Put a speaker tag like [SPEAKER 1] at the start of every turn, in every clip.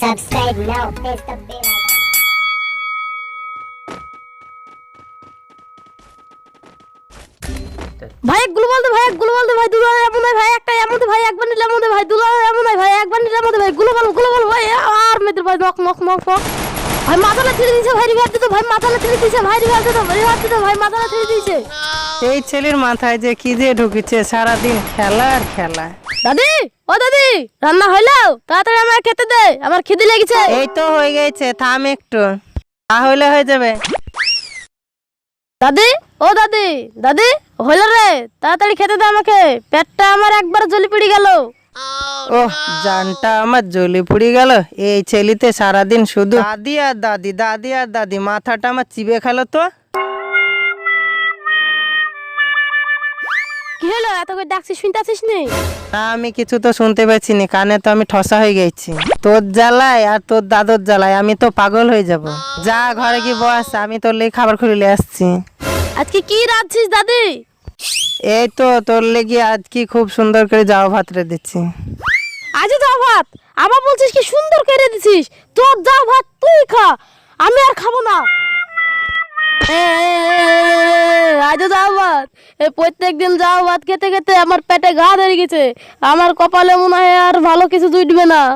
[SPEAKER 1] Subscribe now. Press the bell icon.
[SPEAKER 2] ভাই একগুলো বলতে ভাই একগুলো বলতে ভাই দুলা এমন নয় ভাই একটা এমন ভাই একবার নিলাম মধ্যে ভাই দুলা এমন নয় ভাই একবার নিলাম মধ্যে ভাই গুলো বল ভাই আর মেয়েদের ভাই নক নক নক নক ভাই মাথাটা ছিঁড়ে দিয়েছে ভাই রিভার দিতে ভাই মাথাটা ছিঁড়ে দিয়েছে ভাই রিভার দিতে ভাই মাথাটা ছিঁড়ে দিয়েছে।
[SPEAKER 3] এই ছেলের মাথায় যে কি যে ঢুকেছে সারাদিন খেলা আর খেলা।
[SPEAKER 2] দাদি ও দাদি রান্না হইলো তাড়াতাড়ি আমার খেতে দে আমার খিদে লেগেছে।
[SPEAKER 3] এই তো হয়ে গেছে থাম একটু তাহলে হয়ে যাবে।
[SPEAKER 2] দাদি ও দাদি দাদি হইলো রে তাড়াতাড়ি খেতে দে আমাকে পেটটা আমার একবার জ্বলি পড়ে গেল।
[SPEAKER 3] ওহ জানটা আমার জ্বলে পুড়ে গেল। এই ছেলেতে সারাদিন শুধু দাদি আর দাদি দাদি আর দাদি মাথাটা আমার চিবে খেলো তো।
[SPEAKER 2] কি হলো এত করে ডাকছিস শুনতে আসিস নি?
[SPEAKER 3] না আমি কিছু তো শুনতে পাচ্ছি না, কানে তো আমি ঠসা হয়ে গেছি। তোর জ্বালায় আর তোর দাদুর জ্বালায় আমি তো পাগল হয়ে যাব। যা ঘরে কি বস, আমি তোর লেগে খাবার খুলে আসছি।
[SPEAKER 2] আজকে কি রাঁধছিস দাদি?
[SPEAKER 3] এই তো তোর লেগে আজ কি খুব সুন্দর করে যাওয়া ভাত রে দিচ্ছি।
[SPEAKER 2] আজও যাও ভাত আবার বলছিস কি সুন্দর করে দিছিস? তোর যাও ভাত তুই খা, আমি আর খাবো না। আজও যাও ভাত এই প্রত্যেক দিন যাও ভাত খেতে খেতে আমার পেটে ঘা ধরে গেছে, আমার কপালে মনে হয় আর ভালো কিছু জুটবে না।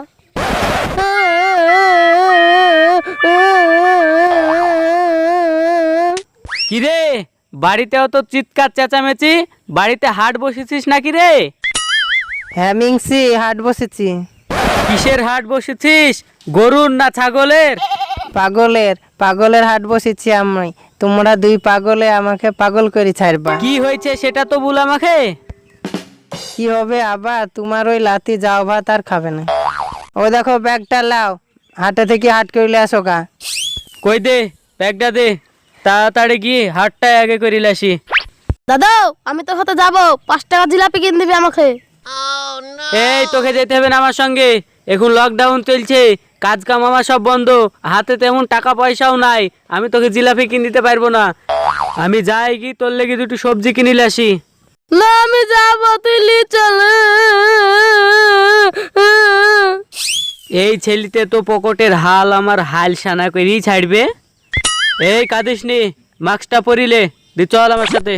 [SPEAKER 4] কিরে বাড়িতেও তো চিৎকার চেঁচামেচি, বাড়িতে হাট বসেছিস নাকি রে?
[SPEAKER 3] হ্যাঁ মিংসি হাট বসেছি।
[SPEAKER 4] কিসের হাট বসেছিস, গরুর না ছাগলের?
[SPEAKER 3] পাগলের হাট বসেছি আমি। তোমরা দুই পাগলে আমাকে পাগল করে ছাড়বা।
[SPEAKER 4] কি হয়েছে সেটা তো বল আমাকে।
[SPEAKER 3] কি হবে আবার, তোমার ওই লাতি যাও ভাত আর খাবে না। ও দেখো ব্যাগটা লাও, হাটে থেকে হাট করলে আসো কা।
[SPEAKER 4] কই দে ব্যাগটা দে, তাড়াতাড়ি গিয়ে হাটটা আগে করিলে আসি।
[SPEAKER 2] দাদা আমি তোর সাথে যাবো, 5 টাকা জিলাপি কিনে দিবি আমাকে।
[SPEAKER 4] এই তোকে যেতে হবে না আমার সঙ্গে, এখন লকডাউন চলছে, কাজ কাম আমার সব বন্ধ, হাতে তেমন টাকা পয়সাও নাই, আমি তোকে জিলাপি কিনে দিতে পারবো না। আমি যাই কি তোর লেগে দুটো সবজি কিনিলে আসি।
[SPEAKER 2] না আমি যাবো, তুই লি চল।
[SPEAKER 4] এই ছেলিতে তো পকেটের হাল আমার হাল সানা করেই ছাড়বে। এই কাঁদিস নি, মাস্কটা পরিলে দি চল আমার সাথে।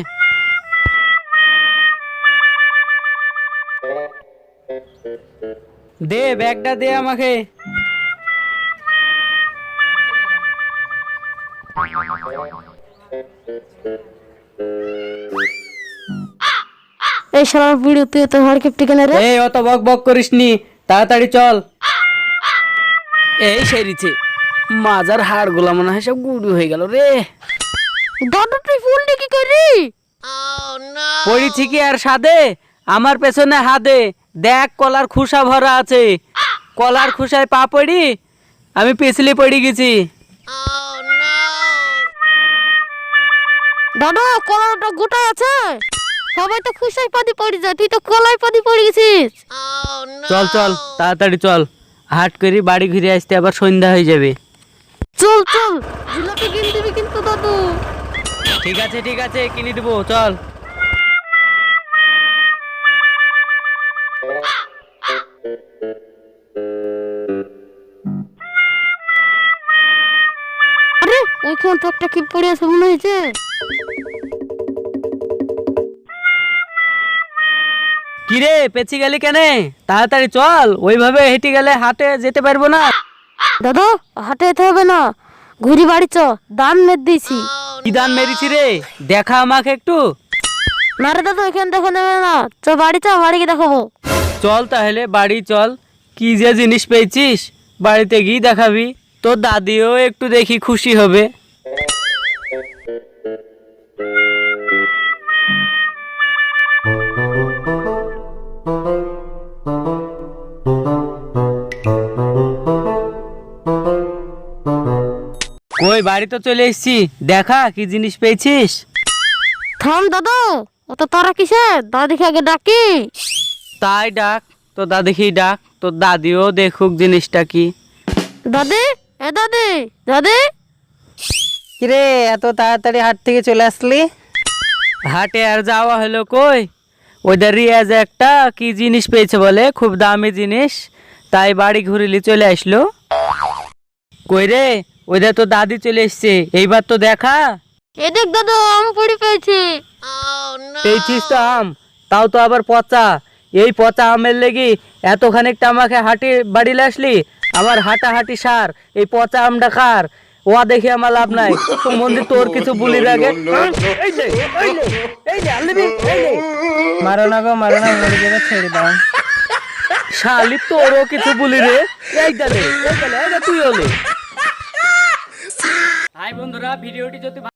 [SPEAKER 4] দে ব্যাগটা দে আমাকে।
[SPEAKER 2] এই শালার বুড়ি তুই তো হাড় কিপটি কেন রে?
[SPEAKER 4] এই অত বক বক করিস নি, তাড়াতাড়ি চল। এই সেরিছে মাজার হাড় গুলা মনে হয় সব গুঁড়ো হয়ে গেল রে।
[SPEAKER 2] দাদা তুই ফুল কি করি?
[SPEAKER 4] পড়িছি কি আর সাদে, আমার পেছনে হাদে দেখ কলার খুসা ভরা আছে, কলার খুসায় পা পড়ি আমি পিছলি পড়ে গেছি।
[SPEAKER 2] দাদা কলাটা গোটা আছে, সবাই তো খুশাই পাদি পড়ে যায়, তুই তো কলাই পাদি পড়ে গেছিস।
[SPEAKER 4] চল চল তাড়াতাড়ি চল, হাট করি বাড়ি ঘুরে আসতে আবার সন্ধ্যা হয়ে যাবে।
[SPEAKER 2] চল চল জিলাপি কিনে দিবি কিন্তু দাদু।
[SPEAKER 4] ঠিক আছে কিনে দেবো চল।
[SPEAKER 2] আরে ওইখান তো একটা কি পড়ে আছে মনে হয়েছে।
[SPEAKER 4] কিরে পেছি গেলি কেনে, তাড়াতাড়ি চল, ওইভাবে হেঁটে গেলে হাটে যেতে পারবো না।
[SPEAKER 2] দাদা হাটে যেতে হবে না, ঘুরি বাড়ি চ, দান মেরে দিয়েছি।
[SPEAKER 4] কি দান মেরেছি রে, দেখা আমাকে একটু।
[SPEAKER 2] না রে দাদা এখানে দেখো নেবে না, চ বাড়ি চ, বাড়ি গিয়ে দেখাবো।
[SPEAKER 4] চল তাহলে বাড়ি চল, কি যে জিনিস পেয়েছিস বাড়িতে গিয়ে দেখাবি, তোর দাদিও একটু দেখি খুশি হবে। কই বাড়ি তো চলে এসেছি, দেখা কি জিনিস পেয়েছিস।
[SPEAKER 2] থাম দাদা অত তারা কিসে, দাদিকে আগে ডাকি।
[SPEAKER 4] তাই ডাক, তোর দাদিকেই ডাক, তোর দাদিও দেখুক জিনিসটা কি।
[SPEAKER 2] দাদি এ দাদি দাদি।
[SPEAKER 3] কিরে এত তাড়াতাড়ি হাট থেকে চলে আসলি?
[SPEAKER 4] হাটে আর যাওয়া হলো কই, ওদের রিয়াজ একটা কি জিনিস পেয়েছে বলে, খুব দামি জিনিস, তাই বাড়ি ঘুরিলি চলে আসলো। কই রে, ওইটা তো দাদি চলে এসছে, এইবার তো দেখা।
[SPEAKER 2] এ দেখ দাদু, আম পড়ে পেয়েছি।
[SPEAKER 4] পেয়েছিস তো আম, তাও তো আবার পচা। এই পচা আমের লেগি এত খানিকটা আমাকে হাঁটি বাড়ি আসলি। আমার হাঁটাহাঁটি সার, এই পচা আমটা খার। ও দেখে আমার লাভ নাই। মন্দির তোর কিছু বলি আগে।
[SPEAKER 3] মারো না গো, মারো না, মরে যাবে, ছেড়ে দাও।
[SPEAKER 4] শালি তোরও কিছু বলি রে। এই গেলে তুই হলে। হাই বন্ধুরা, ভিডিওটি যদি